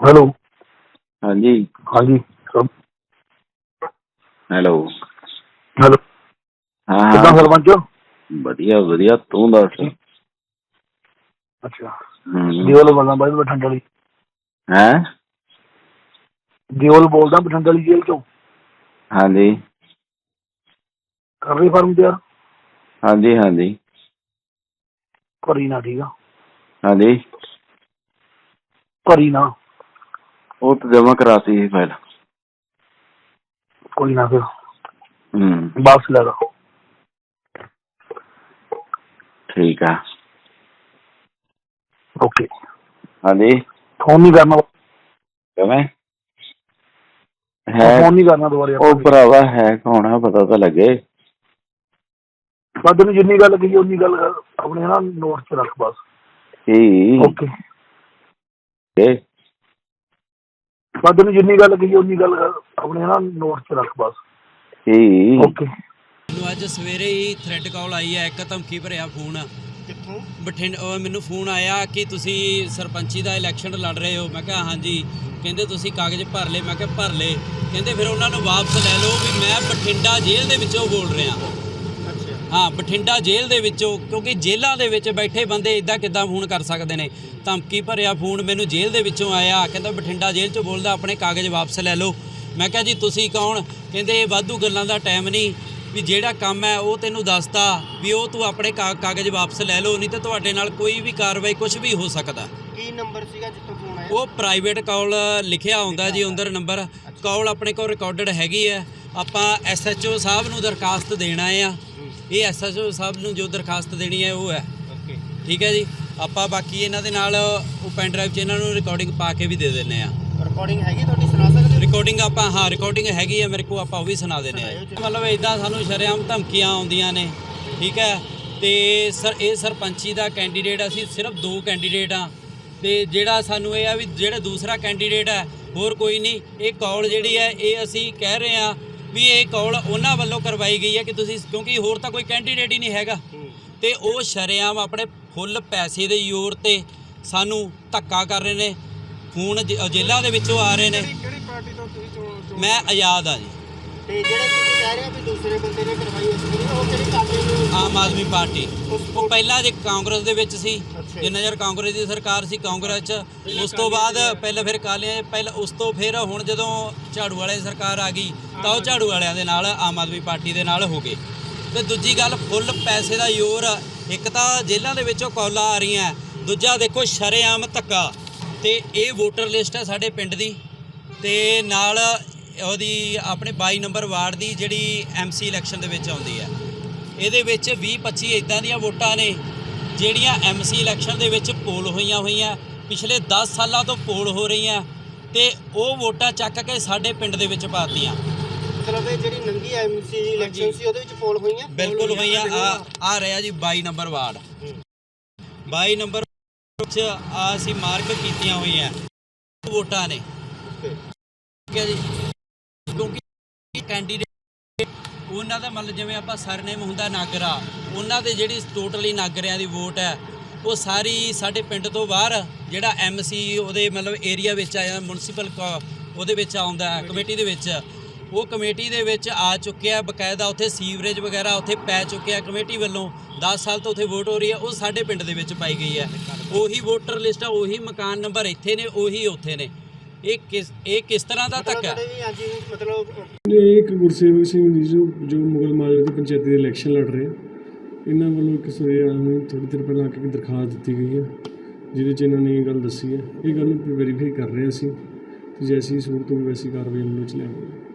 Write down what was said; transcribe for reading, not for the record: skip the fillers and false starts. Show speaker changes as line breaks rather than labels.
Hello.
हाँ जी।
हाँ जी sir.
Hello.
Hello.
हाँ
कितना
हाँ
सरपंच हो?
बढ़िया बढ़िया तू दस।
अच्छा दियोल बोलना भाई बठिंडा वाली।
है
दियोल बोलदा बठिंडा वाली जेल चो।
हाँ जी
कर रही फार्म तैयार?
हाँ जी हाँ जी
करी ना ठीक है।
हाँ जी
करी ना
वो तो जमा कराती है फाइल।
कोई ना फिर
हम्म
वापस ले लो।
ठीक है।
ओके
हाँ जी
फोन नहीं करना।
कमें है
फोन नहीं करना दोबारा।
ओ भरावा है कौन है पता तो लगे।
बस तेन जिन्नी गल कही उन्नी गल अपने ना नोट च रख बस।
की
ओके बस तेन जिन्नी गल कही उन्नी गल अपने ना नोट च रख बस।
की
ओके
ਮੈਨੂੰ ਅੱਜ ਸਵੇਰੇ ਹੀ ਥ੍ਰੈਡ ਕਾਲ ਆਈ ਹੈ, ਇੱਕ ਧਮਕੀ ਭਰਿਆ ਫੋਨ।
ਕਿੱਥੋਂ?
ਬਠਿੰਡਾ ਮੈਨੂੰ ਫੋਨ ਆਇਆ ਕਿ ਤੁਸੀਂ ਸਰਪੰਚੀ ਦਾ ਇਲੈਕਸ਼ਨ ਲੜ ਰਹੇ ਹੋ। ਮੈਂ ਕਿਹਾ ਹਾਂਜੀ। ਕਹਿੰਦੇ ਤੁਸੀਂ ਕਾਗਜ਼ ਭਰ ਲਏ। ਮੈਂ ਕਿਹਾ ਭਰ ਲਏ। ਕਹਿੰਦੇ ਫਿਰ ਉਹਨਾਂ ਨੂੰ ਵਾਪਸ ਲੈ ਲਓ ਵੀ ਮੈਂ ਬਠਿੰਡਾ ਜੇਲ੍ਹ ਦੇ ਵਿੱਚੋਂ ਬੋਲ ਰਿਹਾ। ਹਾਂ ਬਠਿੰਡਾ ਜੇਲ੍ਹ ਦੇ ਵਿੱਚੋਂ, ਕਿਉਂਕਿ ਜੇਲ੍ਹਾਂ ਦੇ ਵਿੱਚ ਬੈਠੇ ਬੰਦੇ ਇੱਦਾਂ ਕਿੱਦਾਂ ਫੋਨ ਕਰ ਸਕਦੇ ਨੇ। ਧਮਕੀ ਭਰਿਆ ਫੋਨ ਮੈਨੂੰ ਜੇਲ੍ਹ ਦੇ ਵਿੱਚੋਂ ਆਇਆ। ਕਹਿੰਦਾ ਬਠਿੰਡਾ ਜੇਲ੍ਹ 'ਚੋਂ ਬੋਲਦਾ, ਆਪਣੇ ਕਾਗਜ਼ ਵਾਪਸ ਲੈ ਲਓ। ਮੈਂ ਕਿਹਾ ਜੀ ਤੁਸੀਂ ਕੌਣ? ਕਹਿੰਦੇ ਵਾਧੂ ਗੱਲਾਂ ਦਾ ਟਾਈਮ ਨਹੀਂ, ਵੀ ਜਿਹੜਾ ਕੰਮ ਹੈ ਉਹ ਤੈਨੂੰ ਦੱਸਤਾ ਵੀ ਉਹ ਤੂੰ ਆਪਣੇ ਕਾਗਜ਼ ਵਾਪਸ ਲੈ ਲਓ, ਨਹੀਂ ਤਾਂ ਤੁਹਾਡੇ ਨਾਲ ਕੋਈ ਵੀ ਕਾਰਵਾਈ ਕੁਝ ਵੀ ਹੋ ਸਕਦਾ।
ਕੀ ਨੰਬਰ ਸੀਗਾ ਜਿੱਥੋਂ ਫੋਨ ਆਇਆ?
ਉਹ ਪ੍ਰਾਈਵੇਟ ਕਾਲ ਲਿਖਿਆ ਹੁੰਦਾ ਜੀ ਅੰਦਰ ਨੰਬਰ। ਕਾਲ ਆਪਣੇ ਕੋਲ ਰਿਕਾਰਡਡ ਹੈਗੀ ਹੈ। ਆਪਾਂ ਐਸਐਚਓ ਸਾਹਿਬ ਨੂੰ ਦਰਖਾਸਤ ਦੇਣਾ ਆ। ਇਹ ਐਸਐਚਓ ਸਾਹਿਬ ਨੂੰ ਜੋ ਦਰਖਾਸਤ ਦੇਣੀ ਹੈ ਉਹ ਹੈ। ਠੀਕ ਹੈ ਜੀ। ਆਪਾਂ ਬਾਕੀ ਇਹਨਾਂ ਦੇ ਨਾਲ ਉਹ ਪੈਨ ਡਰਾਈਵ 'ਚ ਇਹਨਾਂ ਨੂੰ ਰਿਕਾਰਡਿੰਗ ਪਾ ਕੇ ਵੀ ਦੇ ਦਿੰਦੇ ਆ।
ਰਿਕਾਰਡਿੰਗ ਹੈਗੀ ਤੁਹਾਡੀ, ਸੁਣਾ ਸਕਦੇ ਹੋ?
ਰਿਕਾਰਡਿੰਗ ਆਪਾਂ ਹਾਂ ਰਿਕਾਰਡਿੰਗ ਹੈਗੀ ਹੈ ਮੇਰੇ ਕੋਲ, ਆਪਾਂ ਉਹ ਵੀ ਸੁਣਾ ਦਿੰਦੇ ਆ। ਮਤਲਬ ਇੱਦਾਂ ਸਾਨੂੰ ਸ਼ਰੇਆਮ ਧਮਕੀਆਂ ਆਉਂਦੀਆਂ ਨੇ। ਠੀਕ ਹੈ। ਤੇ ਸਰ ਇਹ ਸਰਪੰਚੀ ਦਾ ਕੈਂਡੀਡੇਟ ਅਸੀਂ ਸਿਰਫ 2 ਕੈਂਡੀਡੇਟ ਆ। ਤੇ ਜਿਹੜਾ ਸਾਨੂੰ ਇਹ ਆ ਵੀ ਜਿਹੜਾ ਦੂਸਰਾ ਕੈਂਡੀਡੇਟ ਹੈ ਹੋਰ ਕੋਈ ਨਹੀਂ। ਇਹ ਕਾਲ ਜਿਹੜੀ ਹੈ ਇਹ ਅਸੀਂ ਕਹਿ ਰਹੇ ਹਾਂ ਵੀ ਇਹ ਕਾਲ ਉਹਨਾਂ ਵੱਲੋਂ ਕਰਵਾਈ ਗਈ ਹੈ ਕਿ ਤੁਸੀਂ, ਕਿਉਂਕਿ ਹੋਰ ਤਾਂ ਕੋਈ ਕੈਂਡੀਡੇਟ ਹੀ ਨਹੀਂ ਹੈਗਾ। ਤੇ ਉਹ ਸ਼ਰੇਆਮ ਆਪਣੇ ਫੁੱਲ ਪੈਸੇ ਦੇ ਜ਼ੋਰ ਤੇ ਸਾਨੂੰ ਧੱਕਾ ਕਰ ਰਹੇ ਨੇ। ਫੋਨ ਜੇਲ੍ਹਾਂ ਦੇ ਵਿੱਚੋਂ ਆ ਰਹੇ ਨੇ।
ਕਿਹੜੀ ਪਾਰਟੀ ਤੋਂ ਤੁਸੀਂ ਚੋਣ?
ਮੈਂ ਆਜ਼ਾਦ ਆ ਜੀ।
ਤੇ ਜਿਹੜੇ ਤੁਸੀਂ ਕਹਿ ਰਹੇ ਹੋ ਵੀ ਦੂਸਰੇ ਬੰਦੇ ਨੇ ਕਰਵਾਈ ਉਸ ਦੀ, ਉਹ ਕਿਹੜੀ ਪਾਰਟੀ ਨੂੰ?
ਆਮ ਆਦਮੀ ਪਾਰਟੀ। ਉਹ ਪਹਿਲਾਂ ਜੇ ਕਾਂਗਰਸ ਦੇ ਵਿੱਚ ਸੀ, ਜਿੰਨਾ ਚਿਰ ਕਾਂਗਰਸ ਦੀ ਸਰਕਾਰ ਸੀ ਕਾਂਗਰਸ 'ਚ, ਉਸ ਤੋਂ ਬਾਅਦ ਪਹਿਲਾਂ ਫਿਰ ਕਾਲੀਆਂ, ਪਹਿਲਾਂ ਉਸ ਤੋਂ ਫਿਰ ਹੁਣ ਜਦੋਂ ਝਾੜੂ ਵਾਲੇ ਸਰਕਾਰ ਆ ਗਈ ਤਾਂ ਉਹ ਝਾੜੂ ਵਾਲਿਆਂ ਦੇ ਨਾਲ ਆਮ ਆਦਮੀ ਪਾਰਟੀ ਦੇ ਨਾਲ ਹੋ ਗਏ। ਤੇ ਦੂਜੀ ਗੱਲ ਫੁੱਲ ਪੈਸੇ ਦਾ ਜ਼ੋਰ। ਇੱਕ ਤਾਂ ਜੇਲ੍ਹਾਂ ਦੇ ਵਿੱਚੋਂ ਕੌਲਾਂ ਆ ਰਹੀਆਂ, ਦੂਜਾ ਦੇਖੋ ਸ਼ਰੇਆਮ ਧੱਕਾ। ਤੇ ਇਹ ਵੋਟਰ ਲਿਸਟ ਹੈ ਸਾਡੇ ਪਿੰਡ ਦੀ, ਤੇ ਨਾਲ ਉਹਦੀ ਆਪਣੇ 22 ਨੰਬਰ ਵਾਰਡ ਦੀ ਜਿਹੜੀ ਐਮਸੀ ਇਲੈਕਸ਼ਨ ਦੇ ਵਿੱਚ ਆਉਂਦੀ ਹੈ। ਇਹਦੇ ਵਿੱਚ 20-25 ਇੱਦਾਂ ਦੀਆਂ ਵੋਟਾਂ ਨੇ ਜਿਹੜੀਆਂ ਐਮਸੀ ਇਲੈਕਸ਼ਨ ਦੇ ਵਿੱਚ ਪੋਲ ਹੋਈਆਂ ਪਿਛਲੇ 10 ਸਾਲਾਂ ਤੋਂ ਪੋਲ ਹੋ ਰਹੀਆਂ, ਤੇ ਉਹ ਵੋਟਾਂ ਚੱਕ ਕੇ ਸਾਡੇ ਪਿੰਡ ਦੇ ਵਿੱਚ ਪਾਤੀਆਂ।
ਮਤਲਬ ਇਹ ਜਿਹੜੀ ਨੰਗੀ ਐਮਸੀ ਇਲੈਕਸ਼ਨ ਸੀ ਉਹਦੇ ਵਿੱਚ ਪੋਲ ਹੋਈਆਂ?
ਬਿਲਕੁਲ ਹੋਈਆਂ। ਆ ਰਿਹਾ ਜੀ 22 ਨੰਬਰ ਵਾਰਡ। 22 ਨੰਬਰ ਵਿੱਚ ਅਸੀਂ ਮਾਰਕ ਕੀਤੀਆਂ ਹੋਈਆਂ ਵੋਟਾਂ ਨੇ। ਠੀਕ ਹੈ ਜੀ। ਕਿਉਂਕਿ ਕੈਂਡੀਡੇਟ ਉਹਨਾਂ ਦਾ ਮਤਲਬ ਜਿਵੇਂ ਆਪਾਂ ਸਰਨੇਮ ਹੁੰਦਾ ਨਾਗਰਾ, ਉਹਨਾਂ ਦੇ ਜਿਹੜੀ ਟੋਟਲੀ ਨਾਗਰਿਆਂ ਦੀ ਵੋਟ ਹੈ ਉਹ ਸਾਰੀ ਸਾਡੇ ਪਿੰਡ ਤੋਂ ਬਾਹਰ ਜਿਹੜਾ ਐਮਸੀ ਉਹਦੇ ਮਤਲਬ ਏਰੀਆ ਵਿੱਚ ਆਇਆ, ਮਿਊਨਿਸਪਲ ਉਹਦੇ ਵਿੱਚ ਆਉਂਦਾ ਕਮੇਟੀ ਦੇ ਵਿੱਚ, ਉਹ ਕਮੇਟੀ ਦੇ ਵਿੱਚ ਆ ਚੁੱਕਿਆ ਬਕਾਇਦਾ। ਉੱਥੇ ਸੀਵਰੇਜ ਵਗੈਰਾ ਉੱਥੇ ਪੈ ਚੁੱਕਿਆ ਕਮੇਟੀ ਵੱਲੋਂ। 10 ਸਾਲ ਤੋਂ ਉੱਥੇ ਵੋਟ ਹੋ ਰਹੀ ਹੈ, ਉਹ ਸਾਡੇ ਪਿੰਡ ਦੇ ਵਿੱਚ ਪਾਈ ਗਈ ਹੈ। ਉਹੀ ਵੋਟਰ ਲਿਸਟ ਆ, ਉਹੀ ਮਕਾਨ ਨੰਬਰ ਇੱਥੇ ਨੇ, ਉਹੀ ਉੱਥੇ ਨੇ। ਇਹ ਕਿਸ ਤਰ੍ਹਾਂ ਦਾ ਧੱਕਾ?
ਮਤਲਬ
ਇੱਕ ਗੁਰਸੇਵਕ ਸਿੰਘ ਜੀ ਜੋ ਮੁਗਲ ਮਾਜਰੇ ਦੀ ਪੰਚਾਇਤੀ ਦੇ ਇਲੈਕਸ਼ਨ ਲੜ ਰਹੇ, ਇਹਨਾਂ ਵੱਲੋਂ ਕਿਸੇ ਥੋੜ੍ਹੀ ਦੇਰ ਪਹਿਲਾਂ ਆ ਕੇ ਦਰਖਾਸਤ ਦਿੱਤੀ ਗਈ ਹੈ ਜਿਹਦੇ 'ਚ ਇਹਨਾਂ ਨੇ ਇਹ ਗੱਲ ਦੱਸੀ ਹੈ। ਇਹ ਗੱਲ ਨੂੰ ਵੈਰੀਫਾਈ ਕਰ ਰਹੇ ਅਸੀਂ, ਤੇ ਜੈਸੀ ਸੂਰਤ ਹੋਈ ਵੈਸੀ ਕਾਰਵਾਈ ਅਮਲ ਵਿੱਚ ਲਿਆਵਾਂਗੇ।